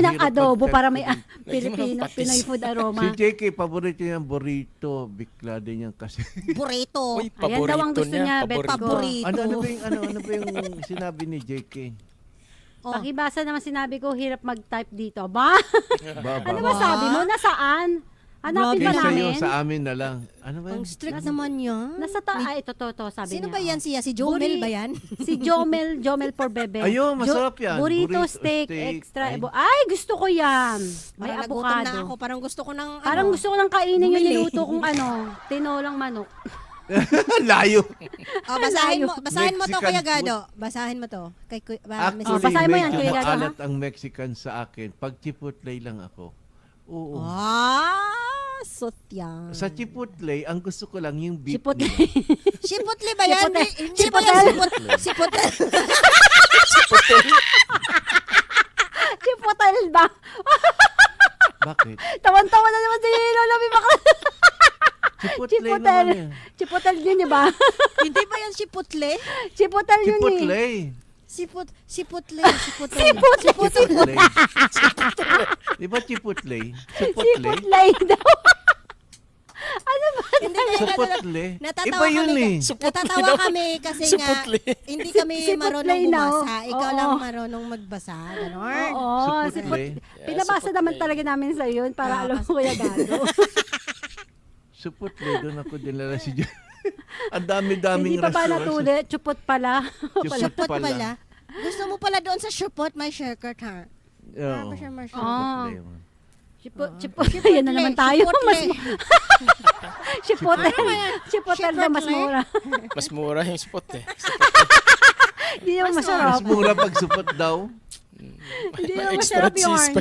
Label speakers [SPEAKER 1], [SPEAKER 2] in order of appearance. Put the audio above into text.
[SPEAKER 1] ng adobo para may
[SPEAKER 2] Filipino
[SPEAKER 1] Pinoy food aroma.
[SPEAKER 3] Si JK, paborito niya ang burrito. Bigla din yan kasi.
[SPEAKER 2] Burrito.
[SPEAKER 4] Uy,
[SPEAKER 1] Ayan daw ang gusto niya, bet ko.
[SPEAKER 2] Paborito.
[SPEAKER 3] ano ba yung sinabi ni JK?
[SPEAKER 2] Oh.
[SPEAKER 1] Pakibasa naman sinabi ko, hirap mag-type dito. Ba?
[SPEAKER 3] Baba.
[SPEAKER 1] Ano ba sabi mo? Nasaan? Hanapin ba
[SPEAKER 3] Kaysa
[SPEAKER 1] namin?
[SPEAKER 3] iyo, sa amin na lang. Ano ba?
[SPEAKER 2] Ang strict naman yan.
[SPEAKER 1] Nasa ay, ito, sabi
[SPEAKER 2] Sino
[SPEAKER 1] niya.
[SPEAKER 2] ba yan
[SPEAKER 1] oh.
[SPEAKER 2] siya? Si Jomel ba yan?
[SPEAKER 1] Si Jomel for bebe.
[SPEAKER 3] Ayun, masarap yan.
[SPEAKER 1] Burrito,
[SPEAKER 3] Burrito,
[SPEAKER 1] steak,
[SPEAKER 3] steak.
[SPEAKER 1] extra. Ay, gusto ko yan. May
[SPEAKER 2] Parang nagutom na ako.
[SPEAKER 1] avocado.
[SPEAKER 2] Parang gusto ko ng
[SPEAKER 1] Parang gusto ko nang kainin yung
[SPEAKER 2] bumili.
[SPEAKER 1] niluto kong tinolang manok.
[SPEAKER 3] Layo.
[SPEAKER 2] Oh, basahin mo to,
[SPEAKER 3] Mexican
[SPEAKER 2] Kuya
[SPEAKER 3] food.
[SPEAKER 2] Gado. Basahin mo to. Kay
[SPEAKER 3] Actually,
[SPEAKER 1] Oh, basahin mo yan,
[SPEAKER 3] medyo
[SPEAKER 1] Kuya Gado, ha?
[SPEAKER 3] maalat ang Mexican sa akin. Pag Chipotle lang ako. Oo.
[SPEAKER 2] Sotya.
[SPEAKER 3] Sa Chipotle, ang gusto ko lang yung beef.
[SPEAKER 1] Chipotle.
[SPEAKER 2] Chipotle ba yan?
[SPEAKER 1] Chipotle.
[SPEAKER 2] Hindi ba yan Chipotle?
[SPEAKER 1] Chipotle ba?
[SPEAKER 3] Bakit?
[SPEAKER 1] Tawan-tawa na naman si Lola May bakla.
[SPEAKER 3] Chipotle naman yan.
[SPEAKER 1] Chipotle yun, di ba?
[SPEAKER 2] Hindi ba yan Chipotle?
[SPEAKER 1] Chipotle yun eh.
[SPEAKER 3] Chipotle.
[SPEAKER 2] Chipotle.
[SPEAKER 3] Chipotle. Di ba Chipotle? Chipotle?
[SPEAKER 1] Chipotle daw. Ano ba?
[SPEAKER 2] Hindi kaya
[SPEAKER 3] Chipotle.
[SPEAKER 2] natatawa
[SPEAKER 3] Iba yun
[SPEAKER 2] kami.
[SPEAKER 3] eh.
[SPEAKER 2] Natatawa kami kasi nga
[SPEAKER 4] Chipotle.
[SPEAKER 2] hindi kami
[SPEAKER 1] Chipotle
[SPEAKER 2] marunong
[SPEAKER 1] now.
[SPEAKER 2] bumasa. Ikaw
[SPEAKER 1] Oo.
[SPEAKER 2] lang marunong magbasa. Ganon.
[SPEAKER 1] Oo,
[SPEAKER 3] Chipotle.
[SPEAKER 1] pinabasa naman talaga namin sa yun para alam ko Kuya Gado.
[SPEAKER 3] Chipotle, doon ako dinala si John. Ang dami-daming
[SPEAKER 1] Hindi pa ba
[SPEAKER 3] restaurant.
[SPEAKER 1] natuloy? Chupot pala.
[SPEAKER 2] Chupot pala. Gusto mo pala doon sa Chupot, may shortcut ha.
[SPEAKER 3] Oo.
[SPEAKER 1] Ah.
[SPEAKER 3] Chipotle.
[SPEAKER 1] Chipot. Yan na naman tayo. Chipotle. Chipotle na mas mura.
[SPEAKER 4] Mas mura yung spot eh.
[SPEAKER 1] Hindi naman
[SPEAKER 3] Mas
[SPEAKER 1] masarap.
[SPEAKER 3] mura pag supot daw.
[SPEAKER 1] Hindi naman
[SPEAKER 4] Extra
[SPEAKER 1] masarap yung
[SPEAKER 4] cheese pa